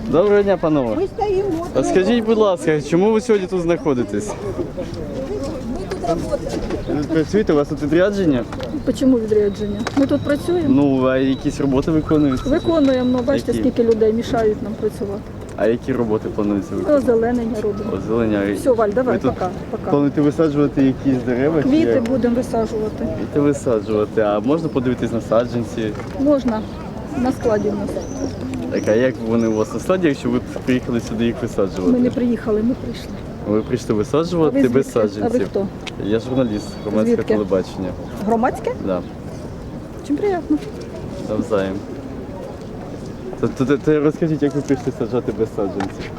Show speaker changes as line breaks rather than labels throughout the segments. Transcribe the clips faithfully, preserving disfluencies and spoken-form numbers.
Доброго дня, панове.
Ми стоїмо.
А скажіть, будь ласка, чому ви сьогодні тут знаходитесь? Ви працюєте, у вас тут відрядження?
Чому відрядження? Ми тут працюємо,
Ну, а якісь роботи виконуються?
виконуємо, ну, бачите,
Які?
скільки людей мішають нам працювати.
А які роботи плануються виконувати?
Озеленення робимо.
Озеленя.
Все, Валь, давай,
Ви тут
пока, пока.
плануєте висаджувати якісь дерева? чи
Квіти
як?
будемо висаджувати.
Квіти висаджувати, а можна подивитись на саджанці?
Можна, на складі в нас.
Так, а як вони у вас на складі, якщо ви приїхали сюди їх висаджувати?
Ми не приїхали, ми прийшли.
Ви прийшли
А
висаджувати
ви
без
звідки? А ви
саджанців?
хто?
Я журналіст, громадське
Звідки?
телебачення.
Громадське?
Да,
Чим приємно.
навзаєм. То, то, то, то розкажіть, як ви прийшли саджати без саджанців?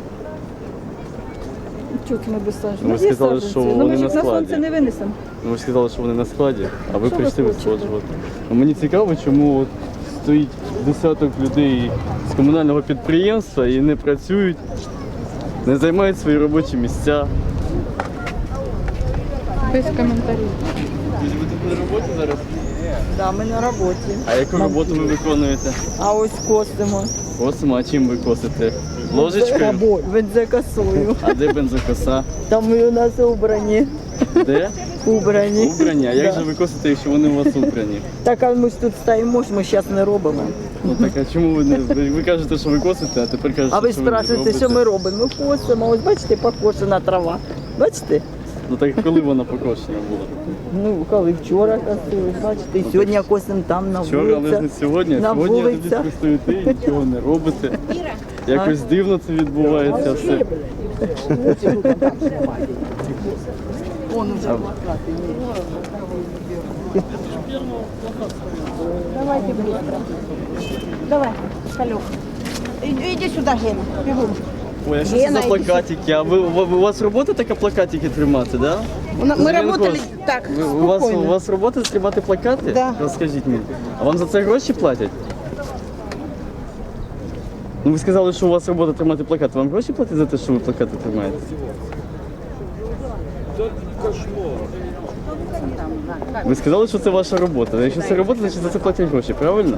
Чого це ми без саджанців?
Ну, ви
Ну, є
сказали,
саджанці.
що
Ну,
вони
ми ж
на
їх на
складі.
сонце не винесемо.
Ну, ви ж сказали, що вони на складі, а ви
Що ви
прийшли
хочете?
висаджувати. Ну, мені цікаво, чому от стоїть десяток людей з комунального підприємства і не працюють, не займають свої робочі місця.
Без коментарів.
Ви тут на роботі зараз?
Да, ми на роботі.
А яку роботу ви виконуєте?
А ось косимо.
Косимо, а чим ви косите? Ложечкою?
Бензокосою.
А де бензокоса?
Там ми у нас убрані.
Де?
Убрані.
Убрані. А як
Да.
же ви косите, якщо вони у вас убрані?
Так, а ми ж тут стоїмо, ж ми зараз не робимо.
Ну так, а чому ви не... Ви, ви кажете, що ви косите, а тепер кажете,
А ви
що ви не
спрашуєте, що ми робимо? Ми косимо. Ось бачите, покошена трава. Бачите?
Ну так коли вона покошена була?
Ну, коли вчора косили, бачите, і сьогодні косимо там на
Вчора, але ж не
вулицях.
сьогодні.
На
Сьогодні ви
вулицях.
тут стоїте і нічого не робите. Якось дивно це відбувається все.
Он уже плакати. Давайте быстро. Давай, Салюк. Иди, иди сюда, Гена, бегом.
Ой, а що це
Гена,
за
іди
плакатики? А ви, у у вас робота така плакатики тримати, да?
Мы
Зеленко,
работали так,
ви- у, вас, у
спокойно.
вас робота тримати плакати?
Да.
Розкажіть мені. А вам за це гроші платять? Ну ви сказали, що у вас робота тримати плакати. Вам гроші платять за те, що ви плакати тримаєте? Ви сказали, що це ваша робота. Якщо це робота, значить за це платять гроші, правильно?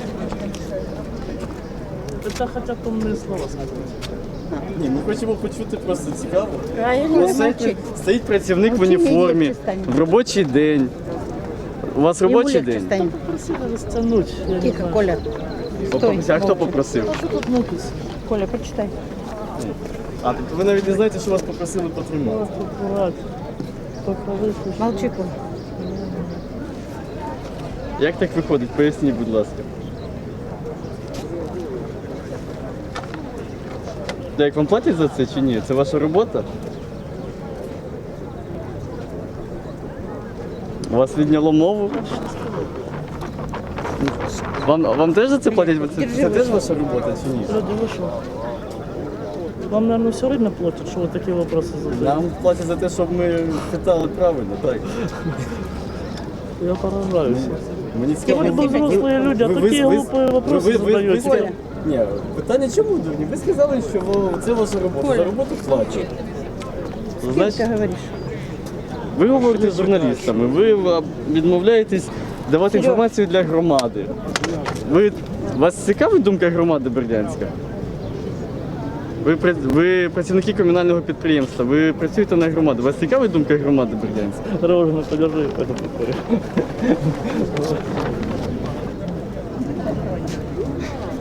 Это хотят умные слова сказать.
Ні, ми хочемо почути просто цікаво.
Правильно,
Ось стоїть, стоїть працівник в уніформі в робочий день. У вас робочий день?
Просили растянуть. Я не
Тихо,
знаю.
Коля.
Попросив. А хто попросив?
А что тут напис?
Коля, прочитай.
А, тобто ви навіть не знаєте, що вас попросили потримати.
Просто брать. Только вышли.
Молчи, Коля.
Як так виходить? Поясніть, будь ласка. Та Як вам платять за це чи ні? Це ваша робота? У вас відняло мову? Вам, вам теж за це платять? Це, це теж ваша робота чи ні?
Люди вышел. Вам, наверное, все время платят, что вы такие вопросы задаете?
Нам платять за те, щоб ми питали правильно, так.
Я поражаюсь.
Мені цікаво,
Вроде бы взрослые люди, а такие глупые вопросы задаете.
сказали- Ні, питання чому дурні? Ви сказали, що ви- це ваша робота. За роботу плачуть. Значить,
говоришь?
ви говорите з журналістами, ви а, відмовляєтесь давати інформацію для громади. Ви, вас цікавить думка громади Бердянська? Ви, пра- ви працівники комунального підприємства, ви працюєте на громаду. Вас цікавить думка громади Бердянська?
Дорожно подержи, это прикольно.